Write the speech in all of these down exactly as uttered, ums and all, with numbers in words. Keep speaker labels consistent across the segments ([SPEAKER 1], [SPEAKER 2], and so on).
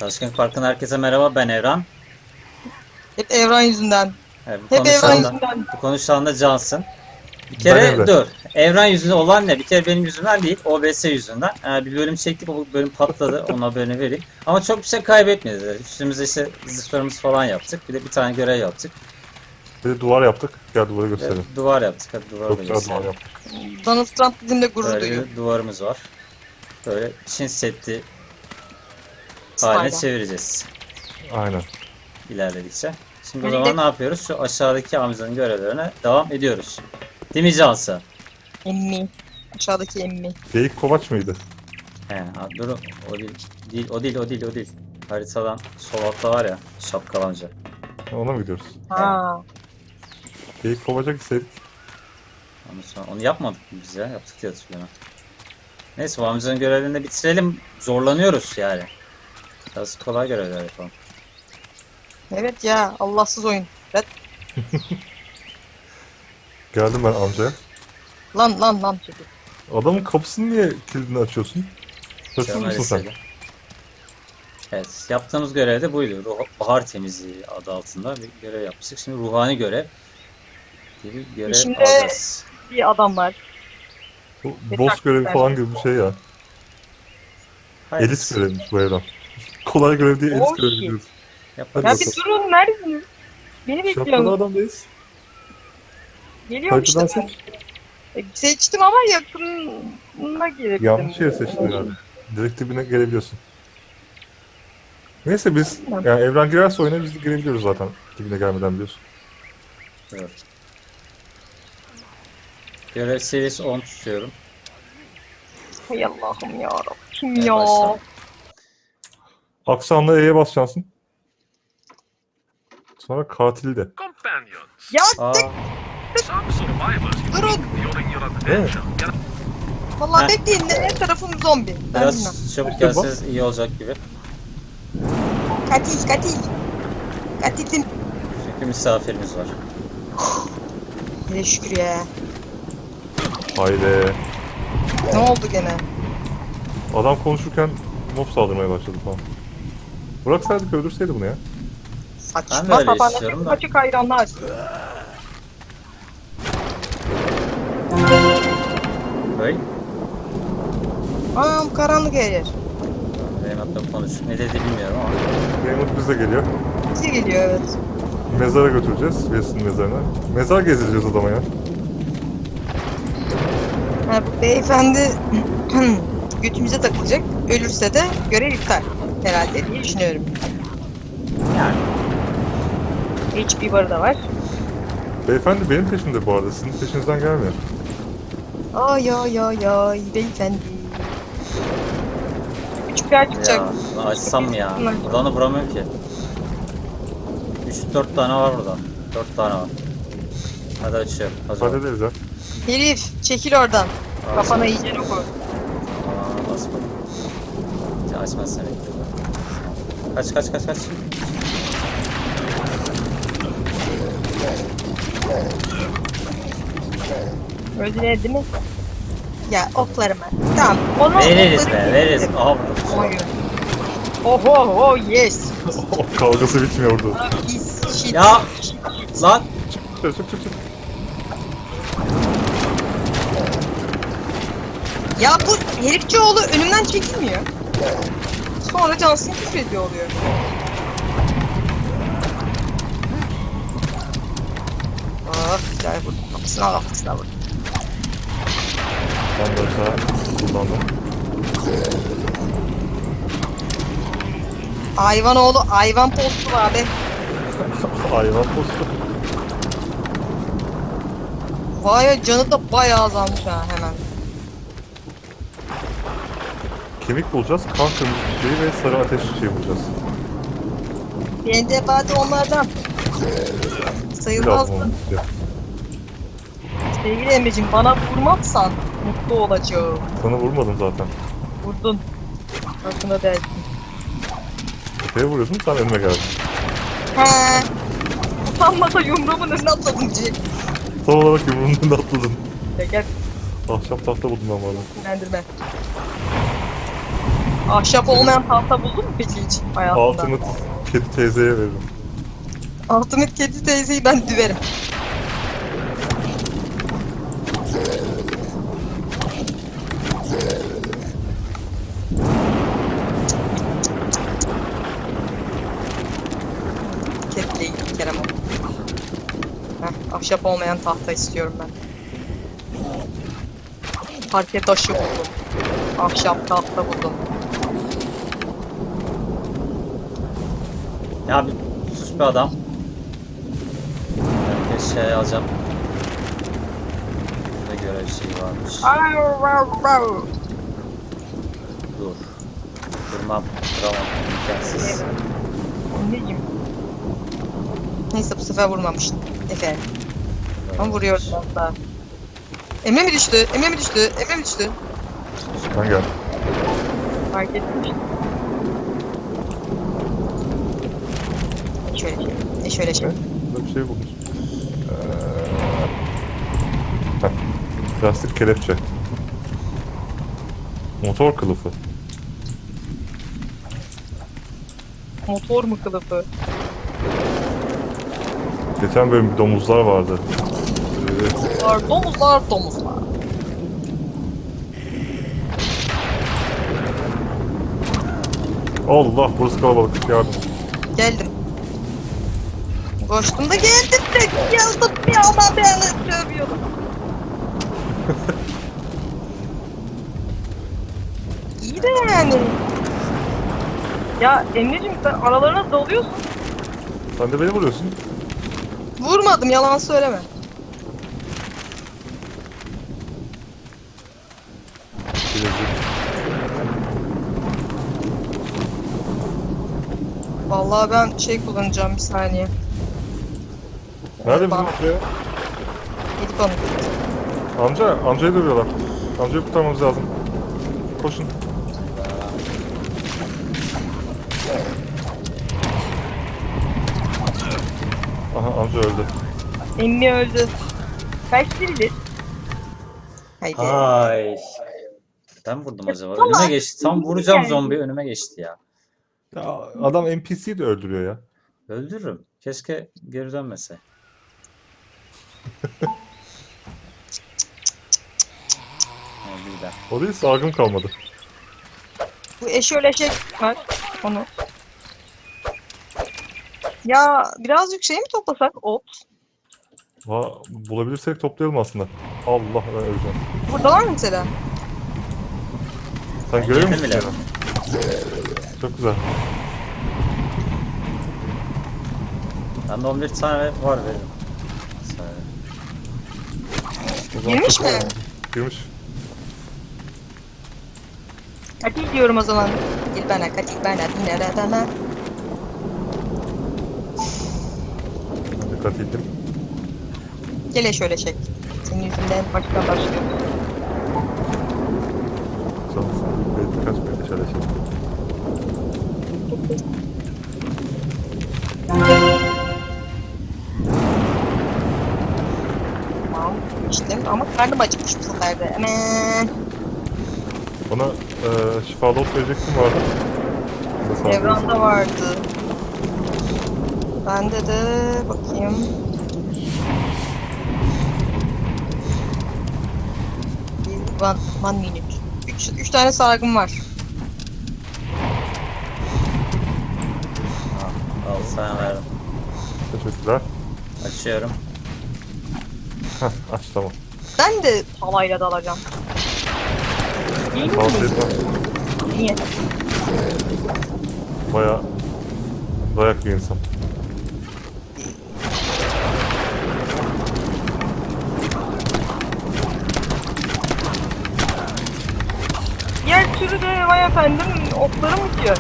[SPEAKER 1] Çalışkan Park'ın herkese merhaba, ben Evran.
[SPEAKER 2] Hep Evran yüzünden.
[SPEAKER 1] Evet, bu
[SPEAKER 2] Hep Evran
[SPEAKER 1] konuşan da,
[SPEAKER 2] yüzünden.
[SPEAKER 1] bu konuşan da Cansın. Bir
[SPEAKER 3] Ben
[SPEAKER 1] kere
[SPEAKER 3] Emre.
[SPEAKER 1] dur. Evran yüzünden olan ne? Bir kere benim yüzümden değil, O B S yüzünden. Ee, bir bölüm çektik, o bölüm patladı. Onun haberini vereyim. Ama çok bir şey kaybetmedi. Üstümüzde işte zırhlarımız falan yaptık. Bir de bir tane görev yaptık.
[SPEAKER 3] Bir de duvar yaptık. Gel duvarı
[SPEAKER 1] Ve
[SPEAKER 3] gösterelim.
[SPEAKER 1] duvar yaptık. Hadi duvarı
[SPEAKER 3] Çok
[SPEAKER 1] da
[SPEAKER 3] güzel duvar
[SPEAKER 1] gösterelim.
[SPEAKER 3] yaptık.
[SPEAKER 2] Donald Trump bizimle gurur
[SPEAKER 1] Böyle
[SPEAKER 2] duyuyor.
[SPEAKER 1] bir duvarımız var. Böyle Çin Seddi haline
[SPEAKER 2] Style'a.
[SPEAKER 1] çevireceğiz
[SPEAKER 3] Aynen.
[SPEAKER 1] ilerledikçe. Şimdi o
[SPEAKER 2] Öyle
[SPEAKER 1] zaman
[SPEAKER 2] de-
[SPEAKER 1] ne yapıyoruz? Şu aşağıdaki amcanın görevlerine devam ediyoruz. Değil mi Cansı?
[SPEAKER 2] Emmi. Aşağıdaki emmi.
[SPEAKER 3] Geyik kovaç mıydı?
[SPEAKER 1] He, abi dur o değil, değil, o değil, o değil, o değil. Haritadan sol altta var ya, şapkalanca.
[SPEAKER 3] Ona mı gidiyoruz?
[SPEAKER 2] Ha.
[SPEAKER 3] Geyik kovacak istedik.
[SPEAKER 1] Ondan sonra onu yapmadık mı biz ya? Yaptık diye hatırlıyorum. Neyse bu amcanın görevlerini de bitirelim. Zorlanıyoruz yani. Biraz kolay görevler yapalım.
[SPEAKER 2] Evet ya. Allahsız oyun. Red.
[SPEAKER 3] Geldim ben amcaya.
[SPEAKER 2] Lan lan lan çekil.
[SPEAKER 3] Adamın kapısını niye kilidini açıyorsun? Hırsız
[SPEAKER 1] Şöyle
[SPEAKER 3] mısın sen?
[SPEAKER 1] mesele. Evet, yaptığımız görev de buydu. Ruh, bahar temizliği adı altında bir görev yapmıştık. Şimdi ruhani görev diye bir görev
[SPEAKER 2] Şimdi-
[SPEAKER 1] alacağız.
[SPEAKER 2] Bir adam var.
[SPEAKER 3] Bu
[SPEAKER 2] Bir
[SPEAKER 3] boss
[SPEAKER 2] dakika,
[SPEAKER 3] görevi
[SPEAKER 2] ben-
[SPEAKER 3] falan gibi bir şey ya.
[SPEAKER 1] Hayır,
[SPEAKER 3] Elit görevmiş bu evren. Kolay görev değil,
[SPEAKER 2] Oh
[SPEAKER 3] elit görev
[SPEAKER 2] shit.
[SPEAKER 3] diyoruz.
[SPEAKER 1] yaparız.
[SPEAKER 2] Ya bir durun neredesiniz? Beni
[SPEAKER 3] Şapkalı
[SPEAKER 2] bekliyorum.
[SPEAKER 3] adamdayız.
[SPEAKER 2] Geliyorum işte
[SPEAKER 3] Haritadan
[SPEAKER 2] ben.
[SPEAKER 3] seç.
[SPEAKER 2] E, Seçtim ama yakınına girebildim.
[SPEAKER 3] Yanlış yere seçtin herhalde. Direkt dibine gelebiliyorsun. Neyse biz, yani evren girerse oyuna biz de girebiliyoruz zaten. Dibine gelmeden biliyorsun.
[SPEAKER 1] Evet. Görev seviyesi on tutuyorum.
[SPEAKER 2] Hay Allah'ım yarabbim. Kim
[SPEAKER 1] Evet,
[SPEAKER 2] ya?
[SPEAKER 1] başla.
[SPEAKER 3] Aksanla E'ye basacaksın. Sonra katili de.
[SPEAKER 4] Companions.
[SPEAKER 2] Ya
[SPEAKER 1] Aa,
[SPEAKER 4] Some survivors
[SPEAKER 2] durun.
[SPEAKER 4] during your
[SPEAKER 3] Evet.
[SPEAKER 4] adventure get
[SPEAKER 2] Vallahi
[SPEAKER 1] Heh.
[SPEAKER 2] bekleyin de en tarafım zombi. Ben bilmem.
[SPEAKER 1] biraz çabuk
[SPEAKER 3] İşte bak.
[SPEAKER 1] gelseniz iyi olacak gibi.
[SPEAKER 2] Katil katil. Katilin.
[SPEAKER 1] Çünkü misafirimiz var.
[SPEAKER 2] Hele şükür ya.
[SPEAKER 3] Haydi.
[SPEAKER 2] Ne oldu gene?
[SPEAKER 3] Adam konuşurken mob saldırmaya başladı falan. Bıraksaydık öldürseydi bunu ya.
[SPEAKER 1] Ben de
[SPEAKER 2] Saçma
[SPEAKER 1] öyle
[SPEAKER 2] sapan
[SPEAKER 1] istiyorum da.
[SPEAKER 2] açık hayranlar.
[SPEAKER 1] Böyle.
[SPEAKER 2] Aa karanlık her yer.
[SPEAKER 1] Benim hatta konuş. Ne dedi bilmiyorum ama.
[SPEAKER 3] Raymond bize geliyor.
[SPEAKER 2] Bize geliyor evet.
[SPEAKER 3] Mezara götüreceğiz. Wilson'ın mezarına. Mezar gezdireceğiz adama ya.
[SPEAKER 2] Ha, bu beyefendi götümüze takılacak. Ölürse de görev iptal. Herhalde diye düşünüyorum.
[SPEAKER 1] Yani.
[SPEAKER 2] H P barı da var.
[SPEAKER 3] Beyefendi benim peşimde bu arada. Sizin peşinizden gelmiyor.
[SPEAKER 2] Ay ay ay ay beyefendi. Küçük bir yer çıkacak.
[SPEAKER 1] Ya açsam mı ya? Buradan da vuramıyorum ki. üç dört tane var burada. dört tane var. Hadi açıyorum. Hazır. ol.
[SPEAKER 3] Hallederiz ya.
[SPEAKER 2] Herif çekil oradan.
[SPEAKER 1] Al.
[SPEAKER 2] Kafana iyice oku.
[SPEAKER 1] Aa, bas bak. Ya açmazsan bekliyorum. Kaç kaç kaç kaç.
[SPEAKER 2] Öldüler değil mi? Ya oklarımı. Tamam. Onu
[SPEAKER 1] Veririz
[SPEAKER 2] okları-
[SPEAKER 1] be veririz. Aha burada.
[SPEAKER 2] Oy. Oh oh oh yes.
[SPEAKER 3] O kavgası bitmiyor orada.
[SPEAKER 2] Pis shit.
[SPEAKER 1] Ya lan.
[SPEAKER 3] Çık çık çık çık.
[SPEAKER 2] Ya bu herifçioğlu önümden çekilmiyor. Sonra Johnson küfür ediyor oluyor. Ah güzel vurdum. Kapısına kafasına vurdum.
[SPEAKER 3] Ben de aşağı kullandım.
[SPEAKER 2] Hayvan oğlu hayvan postu var be.
[SPEAKER 3] Hayvan postu.
[SPEAKER 2] Vay be, canı da bayağı azalmış ha hemen.
[SPEAKER 3] Kemik bulacağız. Kan kırmızı çiçeği ve sarı ateş çiçeği bulacağız.
[SPEAKER 2] Ben de bari onlardan.
[SPEAKER 3] Biraz
[SPEAKER 2] Sayılmaz
[SPEAKER 3] mı?
[SPEAKER 2] mı? Sevgili Emre'cim bana vurmazsan mutlu olacağım.
[SPEAKER 3] Sana vurmadım zaten.
[SPEAKER 2] Vurdun. Farkında değilsin.
[SPEAKER 3] Şeye vuruyordum sen önüme geldin.
[SPEAKER 2] He. Utanmasa yumruğumun önüne atladım diyecek.
[SPEAKER 3] Tam olarak yumruğunun önünde atladın.
[SPEAKER 2] Ya gel
[SPEAKER 3] Ahşap tahta buldum ben bu arada.
[SPEAKER 2] sinirlendirme. Ahşap olmayan tahta buldun mu peki hiç hayatında?
[SPEAKER 3] Ultimate kedi teyzeye veririm.
[SPEAKER 2] Ultimate kedi teyzeyi ben düverim. Ketleyi Kerem o. Heh, ahşap olmayan tahta istiyorum ben. Parke taşı buldum. Ahşap tahta buldum.
[SPEAKER 1] Ya bir sus be adam. Herkes şey alacağım. Burada görev şeyi varmış. Dur. Durmam. Duramam. İmkansız.
[SPEAKER 2] Anneciğim. Neyse bu sefer vurmamıştım. Efendim. Ama vuruyordum hatta. Emre mi düştü? Emre mi düştü? Emre mi düştü?
[SPEAKER 3] Ben geldim.
[SPEAKER 2] Fark etmiş. Şöyle şey. E şöyle şey.
[SPEAKER 3] Ne? Burada bir şey bulmuş. Ee... Heh. Plastik kelepçe. Motor kılıfı.
[SPEAKER 2] Motor mu kılıfı?
[SPEAKER 3] Geçen bölüm bir domuzlar vardı. Ee,
[SPEAKER 2] Domuzlar, domuzlar, domuzlar.
[SPEAKER 3] Allah, burası kalabalık. Yardım.
[SPEAKER 2] Geldim. Koştum da geldim de geldim bir ama beni dövüyordu. İyi de yani. Ya Emre'cim sen aralarına dalıyorsun.
[SPEAKER 3] Sen de beni vuruyorsun.
[SPEAKER 2] Vurmadım yalan söyleme.
[SPEAKER 3] Bilezik.
[SPEAKER 2] Vallahi ben şey kullanacağım bir saniye.
[SPEAKER 3] Nerede bizim
[SPEAKER 2] Bak.
[SPEAKER 3] amca ya?
[SPEAKER 2] Yedik onu.
[SPEAKER 3] Amca, amcayı dövüyorlar. Amcayı kurtarmamız lazım. Koşun. Aha, amca öldü.
[SPEAKER 2] Emmi öldü. Kaç biridir? Haydi.
[SPEAKER 1] Ay. Ben vurdum acaba.
[SPEAKER 2] Vallahi
[SPEAKER 1] Önüme geçti. Tam
[SPEAKER 2] iyi
[SPEAKER 1] vuracağım
[SPEAKER 2] yani.
[SPEAKER 1] zombi önüme geçti ya.
[SPEAKER 3] Ya adam N P C'yi de öldürüyor ya.
[SPEAKER 1] Öldürürüm. Keşke geri dönmese. Öldü de.
[SPEAKER 3] O değil, sargım kalmadı.
[SPEAKER 2] Bu eşöleşek var. Onu. Ya birazcık şey mi toplasak? Ot.
[SPEAKER 3] Va, bulabilirsek toplayalım aslında. Allah, ben öleceğim.
[SPEAKER 2] Burada var mı mesela?
[SPEAKER 3] Sen
[SPEAKER 1] Ben
[SPEAKER 3] görüyor
[SPEAKER 1] yedim
[SPEAKER 3] musun?
[SPEAKER 1] bile.
[SPEAKER 3] beni? Çok güzel.
[SPEAKER 1] Bende on bir tane var veririm. Söyle.
[SPEAKER 3] O zaman
[SPEAKER 2] Girmiş
[SPEAKER 3] çok-
[SPEAKER 2] mi?
[SPEAKER 3] Girmiş.
[SPEAKER 2] Katil diyorum o zaman. Katil bana, katil bana, dinle bana.
[SPEAKER 3] Dikkat ettim.
[SPEAKER 2] Gele şöyle çek. Senin yüzünden başka başlıyor.
[SPEAKER 3] Çalışsın. Ve birkaç bir şöyle şey.
[SPEAKER 2] Tamam. İşte ama karnım acıkmış bu sefer de. Hemen.
[SPEAKER 3] Bana e, şifalı ot verecektim vardı. Bunu da sağ ol.
[SPEAKER 2] Evranda vardı. Bende de bakayım. Bir- One, one minute. Üç, üç tane sargım var.
[SPEAKER 1] Al sana verdim.
[SPEAKER 3] Teşekkürler.
[SPEAKER 1] Açıyorum.
[SPEAKER 3] Heh, aç tamam.
[SPEAKER 2] Ben de palayla dalacağım. İyi mi?
[SPEAKER 3] Tavsiye etmem.
[SPEAKER 2] Niye?
[SPEAKER 3] Baya dayak bir insan.
[SPEAKER 2] Diğer türlü de vay efendim oklarım bitiyor.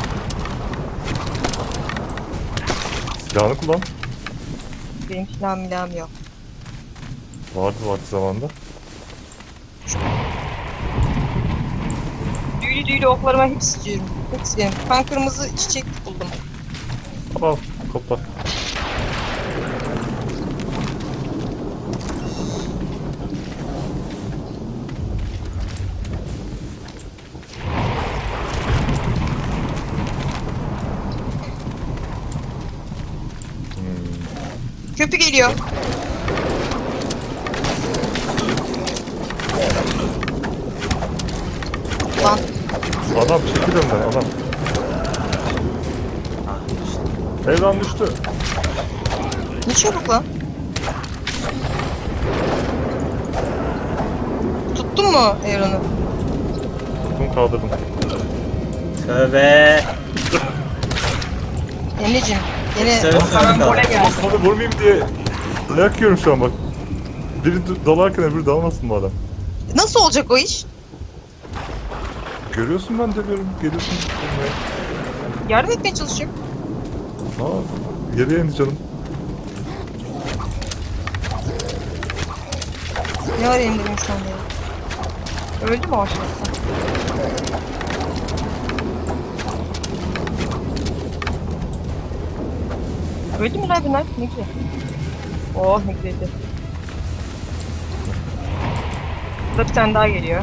[SPEAKER 3] Silahını kullan.
[SPEAKER 2] Benim silahım milahım yok.
[SPEAKER 3] Vardı vakti zamanda.
[SPEAKER 2] Düğülü düğülü oklarıma hepsi istiyorum. Hepsi benim. Ben kırmızı çiçek buldum.
[SPEAKER 3] Al, topla.
[SPEAKER 2] Köprü geliyor. Lan
[SPEAKER 3] Adam çekil önden adam.
[SPEAKER 1] Ah, işte.
[SPEAKER 3] Evren düştü.
[SPEAKER 2] ne çabuk lan. Tuttun mu Evren'i?
[SPEAKER 3] Tuttum kaldırdım.
[SPEAKER 1] Tövbe.
[SPEAKER 2] Emre'cim yine
[SPEAKER 1] Söyle, söyle
[SPEAKER 2] karambole
[SPEAKER 1] kaldı.
[SPEAKER 2] geldi.
[SPEAKER 3] Sana vurmayayım diye dayak yiyorum şu an bak. Biri d- dalarken öbürü dalmasın bu adam.
[SPEAKER 2] Nasıl olacak o iş?
[SPEAKER 3] Görüyorsun ben de görüyorum. Geliyorsun. vurmaya.
[SPEAKER 2] Yardım etmeye çalışıyorum.
[SPEAKER 3] Aa, geriye indi canım.
[SPEAKER 2] Ne var elimde benim şu anda ya? Öldü mü o aşağıda? Öldü mü lan bunlar? Ne güzel. Oh ne güzeldi. Burada bir tane daha geliyor.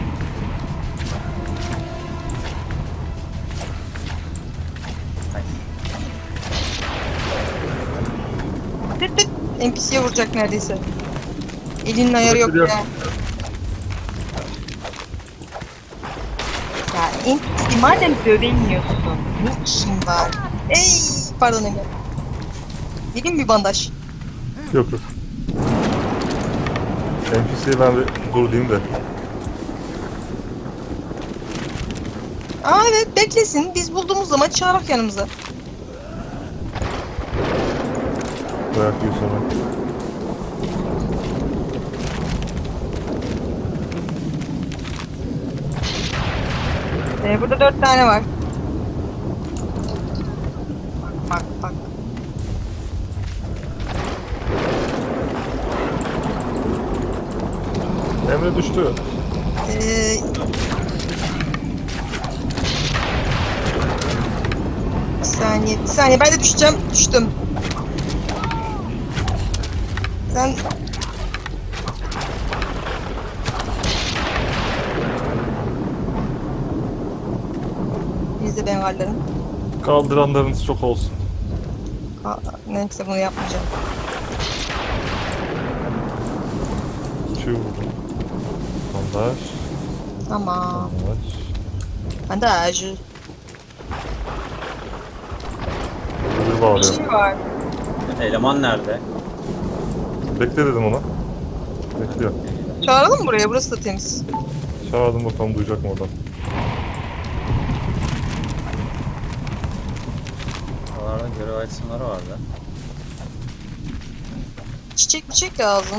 [SPEAKER 2] Tıt tıt. N P C'ye vuracak neredeyse. Elinin ayarı yok
[SPEAKER 3] Geliyor.
[SPEAKER 2] ya. Ya N P C madem dövemiyorsun. Ne işin var? Ey pardon Emre. Vereyim bir bandaj.
[SPEAKER 3] Yok yok. N P C'ye ben bir dur diyeyim de.
[SPEAKER 2] Aa evet beklesin. Biz bulduğumuz zaman çağırak yanımıza.
[SPEAKER 3] Dayak yiyor sonra.
[SPEAKER 2] Ee, burada dört tane var. Bak bak bak.
[SPEAKER 3] Emre düştü.
[SPEAKER 2] Ee, bir saniye, bir saniye. Ben de düşeceğim. Düştüm. Sen... Biz de bengallerim.
[SPEAKER 3] Kaldıranlarınız çok olsun.
[SPEAKER 2] Aa, neyse bunu yapmayacağım.
[SPEAKER 3] Şu vurdum. Bandaj.
[SPEAKER 2] Tamam.
[SPEAKER 3] Bandaj.
[SPEAKER 2] Ben de acı.
[SPEAKER 3] Öbürü
[SPEAKER 2] Bir
[SPEAKER 3] bağlıyor.
[SPEAKER 2] şey var.
[SPEAKER 1] Eleman nerede?
[SPEAKER 3] Bekle dedim ona. Bekliyor.
[SPEAKER 2] Çağıralım mı buraya? Burası da temiz.
[SPEAKER 3] Çağırdım bakalım duyacak mı oradan.
[SPEAKER 1] Oralarda görev itemları vardı.
[SPEAKER 2] Çiçek çiçek lazım.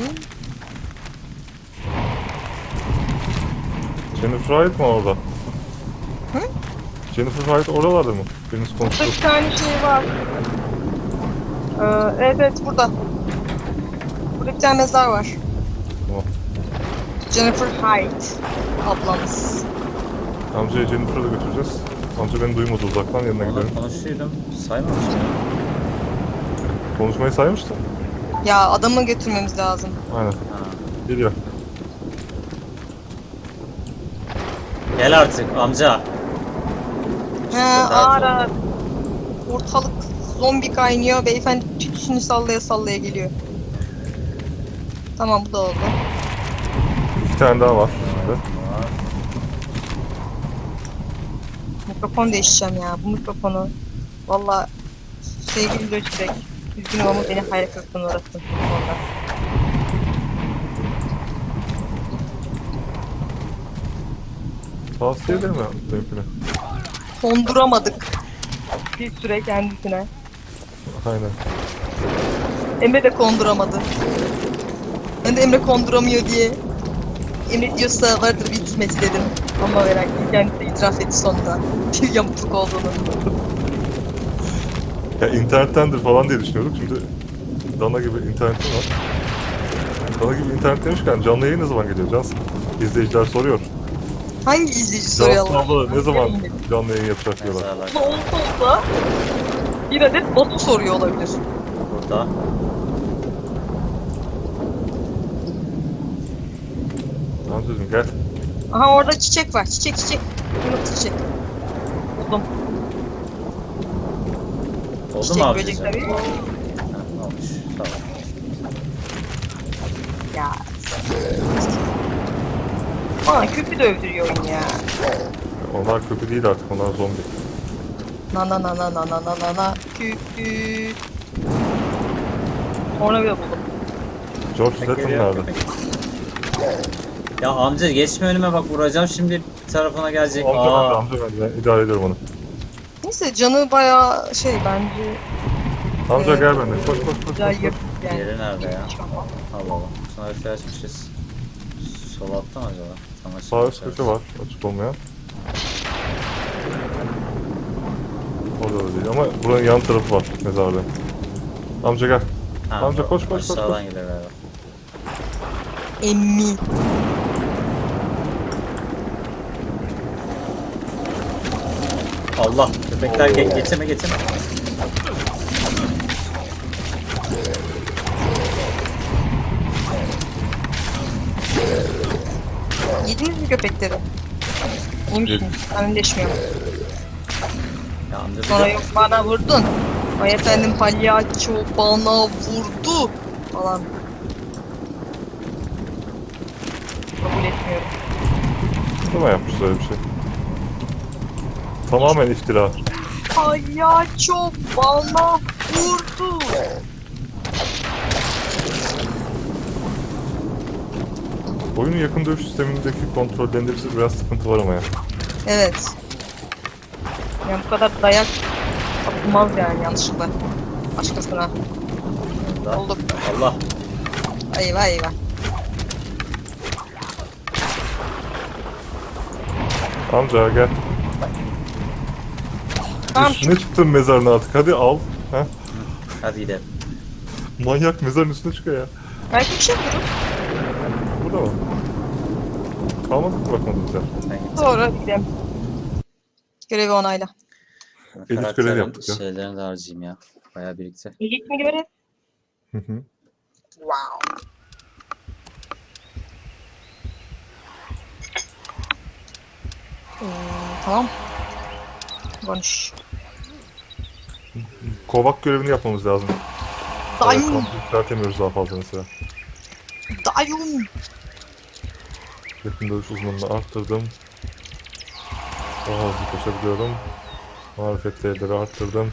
[SPEAKER 3] Jennifer Wright mı orada?
[SPEAKER 2] Hı?
[SPEAKER 3] Jennifer Wright oralarda mı? Biriniz
[SPEAKER 2] Burada
[SPEAKER 3] konuştu.
[SPEAKER 2] bir tane şey var. Ee, evet evet burada. Burada bir tane mezar var.
[SPEAKER 3] Tamam.
[SPEAKER 2] Jennifer Hyde ablamız.
[SPEAKER 3] Amcayı Jennifer'a da götüreceğiz. Amca beni duymadı uzaktan yanına
[SPEAKER 1] Onunla
[SPEAKER 3] gidelim.
[SPEAKER 1] konuşuydum. Saymamıştım.
[SPEAKER 3] Konuşmayı saymıştın.
[SPEAKER 2] Ya adamı götürmemiz lazım.
[SPEAKER 3] Aynen.
[SPEAKER 1] Ha.
[SPEAKER 3] Geliyor.
[SPEAKER 1] Gel artık amca.
[SPEAKER 2] He ara. Ortalık zombi kaynıyor. Beyefendi tütsünü sallaya sallaya geliyor. Tamam bu da oldu.
[SPEAKER 3] İki tane daha var şimdi.
[SPEAKER 2] Mikrofon değişeceğim ya. Bu mikrofonu. Valla sevgili Lojitech. Üzgünüm ama beni hayal kırıklığına uğrattın. Ondan.
[SPEAKER 3] Tavsiye ederim ya benimkine.
[SPEAKER 2] Konduramadık. Bir süre kendisine.
[SPEAKER 3] Aynen.
[SPEAKER 2] Emre de konduramadı. Ben de Emre konduramıyor diye. Emre diyorsa vardır bir hikmeti dedim. Ama merak ettim. Kendisi de itiraf etti sonunda. Bir yamukluk olduğunu.
[SPEAKER 3] Ya internettendir falan diye düşünüyorduk. Şimdi Dana gibi internetim var. Dana gibi internet demişken canlı yayın ne zaman geliyor Cans? İzleyiciler soruyor.
[SPEAKER 2] Hangi izleyici soruyor
[SPEAKER 3] Cansın
[SPEAKER 2] Allah?
[SPEAKER 3] abla ne zaman canlı yayın yapacak diyorlar.
[SPEAKER 1] Mezarlar
[SPEAKER 2] Bu olsa olsa bir adet botu soruyor olabilir.
[SPEAKER 1] burada.
[SPEAKER 3] Amcacığım gel.
[SPEAKER 2] Aha orada çiçek var. Çiçek çiçek. Kırmızı çiçek. Buldum.
[SPEAKER 1] Oldu
[SPEAKER 2] Çiçek
[SPEAKER 1] mu
[SPEAKER 2] böcek
[SPEAKER 1] abicim?
[SPEAKER 2] tabii.
[SPEAKER 1] Ha, olmuş. Tamam.
[SPEAKER 2] Ya. Aa köpü de öldürüyor oyun ya.
[SPEAKER 3] Onlar kötü değil artık, onlar zombi.
[SPEAKER 2] Na na na na na na na na na köpü. Sonra bir buldum.
[SPEAKER 3] George Zed'in
[SPEAKER 1] Geliyor.
[SPEAKER 3] nerede?
[SPEAKER 1] Ya amca geçme önüme bak, vuracağım şimdi bir tarafına gelecek.
[SPEAKER 3] Amca
[SPEAKER 1] Aa.
[SPEAKER 3] bende, amca bende. Ben idare ediyorum onu.
[SPEAKER 2] Neyse canı bayağı şey bence
[SPEAKER 3] Amca
[SPEAKER 2] Evet.
[SPEAKER 3] gel benden. Koş koş koş.
[SPEAKER 2] güzel
[SPEAKER 3] koş, koş.
[SPEAKER 2] yapıp yani.
[SPEAKER 1] Yeri nerede ya?
[SPEAKER 2] Tamam.
[SPEAKER 1] Allah Allah. Sonra harfi açmışız. Sol altta mı acaba? Tam açık.
[SPEAKER 3] Sağ üst köşe var, açık olmayan. Orada da değil ama buranın yan tarafı var mezarda. Amca gel.
[SPEAKER 1] Ha,
[SPEAKER 3] Amca
[SPEAKER 1] bu
[SPEAKER 3] koş, koş, koş,
[SPEAKER 1] Aşağıdan
[SPEAKER 3] koş.
[SPEAKER 1] gider galiba.
[SPEAKER 2] Emmi.
[SPEAKER 1] Allah! Köpekler ge geçeme geçeme.
[SPEAKER 2] Yediniz mi köpekleri? Yemişsiniz. Ben önleşmiyorum.
[SPEAKER 1] Ya amca bir
[SPEAKER 2] Sonra
[SPEAKER 1] de-
[SPEAKER 2] yok bana vurdun. Ay efendim palyaço bana vurdu. Falan. Kabul etmiyorum.
[SPEAKER 3] Kim yapmış öyle bir şey? Tamamen iftira.
[SPEAKER 2] Palyaço bana vurdu.
[SPEAKER 3] Oyunun yakın dövüş sistemindeki kontrollerinde bize biraz sıkıntı var ama ya.
[SPEAKER 2] Evet. Yani bu kadar dayak atılmaz yani yanlışlıkla. Başkasına.
[SPEAKER 1] Allah.
[SPEAKER 2] Olduk.
[SPEAKER 1] Allah!
[SPEAKER 2] Eyvah eyvah.
[SPEAKER 3] Amca gel.
[SPEAKER 2] Tamam şu
[SPEAKER 3] Üstüne çıktın mezarın artık. Hadi al. Heh.
[SPEAKER 1] Hadi gidelim.
[SPEAKER 3] Manyak mezarın üstüne çıkıyor ya.
[SPEAKER 2] belki bir şey buluruz.
[SPEAKER 3] Burada mı? Kalmadı mı bakmadın sen?
[SPEAKER 1] Ben gittim.
[SPEAKER 2] Sonra gidelim. Görevi onayla.
[SPEAKER 3] Edit görevi
[SPEAKER 1] Karakterin
[SPEAKER 3] yaptık ya.
[SPEAKER 1] şeylerini de harcayayım ya. Bayağı birikti.
[SPEAKER 2] İlk mi görev?
[SPEAKER 3] Hı hı.
[SPEAKER 2] Wow. Ee, tamam. Konuş.
[SPEAKER 3] Kovak görevini yapmamız lazım.
[SPEAKER 2] Dayım.
[SPEAKER 3] Evet, yükseltemiyoruz daha fazla mesela.
[SPEAKER 2] Dayım.
[SPEAKER 3] Yakın dövüş uzmanını arttırdım. Daha hızlı koşabiliyorum. Marifet değerleri arttırdım.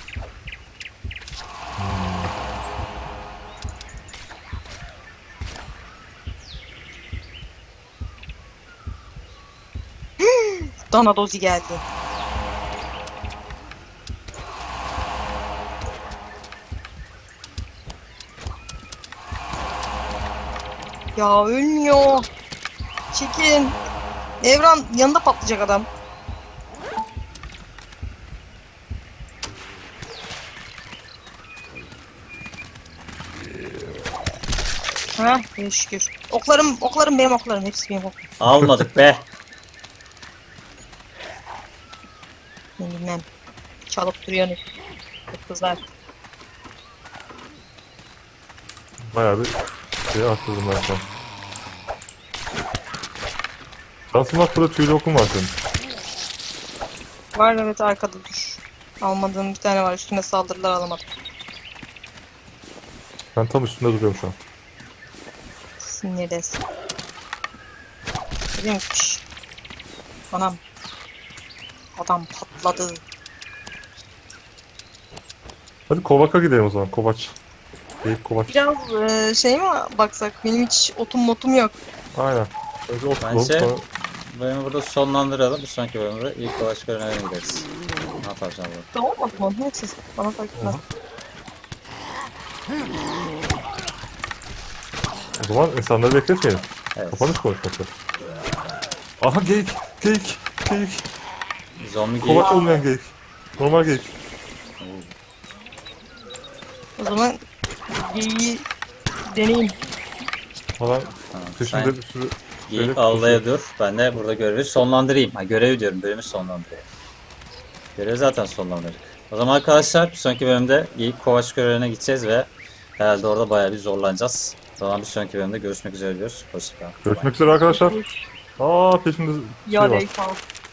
[SPEAKER 2] Dana dozi geldi. Ya ölmüyor. Çekin. Evran yanında patlayacak adam. Ha, iyi şükür. Oklarım, oklarım benim oklarım. Hepsi benim oklarım.
[SPEAKER 1] Almadık be!
[SPEAKER 2] Ben bilmem. Çalıp duruyorsunuz. Kızlar.
[SPEAKER 3] Bayağı bir şey arttırdım ben şu an. Şansın bak, burada tüylü okum var senin.
[SPEAKER 2] Var evet arkada dur. Almadığım bir tane var. Üstüne saldırılar alamadım.
[SPEAKER 3] Ben tam üstünde duruyorum şu an.
[SPEAKER 2] Sinirdesin. Görüyormuş. Anam. Adam patladı.
[SPEAKER 3] Hadi Kovak'a gidelim o zaman. Kovaç. Deyip Kovaç.
[SPEAKER 2] Biraz e, şey mi baksak? Benim hiç otum motum yok.
[SPEAKER 3] Aynen. Önce ot bulalım,
[SPEAKER 1] Bence-
[SPEAKER 3] sonra
[SPEAKER 1] Bölümü burada sonlandıralım. Bir sonraki bölümde ilk ulaş görevine gideriz. Ne yapacağım bu?
[SPEAKER 2] Tamam mı? Tamam. Neyse. Bana fark etmez.
[SPEAKER 3] o zaman insanları bekletmeyelim.
[SPEAKER 1] Evet.
[SPEAKER 3] Kapanış konuşması. Aha geyik. Geyik. Geyik.
[SPEAKER 1] Zombi geyik.
[SPEAKER 3] Kovaç olmayan geyik. Normal geyik.
[SPEAKER 2] O zaman geyiği deneyim.
[SPEAKER 3] Falan
[SPEAKER 1] Tamam,
[SPEAKER 3] peşinde
[SPEAKER 1] sen
[SPEAKER 3] bir sürü...
[SPEAKER 1] geyik
[SPEAKER 3] Evet,
[SPEAKER 1] avlaya dur. Ben de burada görevi sonlandırayım. Ha, görevi diyorum. Bölümü sonlandırayım. Görevi zaten sonlandırdık. O zaman arkadaşlar bir sonraki bölümde geyik kovaç görevine gideceğiz ve herhalde orada bayağı bir zorlanacağız. O zaman bir sonraki bölümde görüşmek üzere diyoruz. Hoşçakalın.
[SPEAKER 3] Görüşmek üzere arkadaşlar. Aa peşinde şey
[SPEAKER 2] Ya
[SPEAKER 3] var.
[SPEAKER 2] değil, tamam.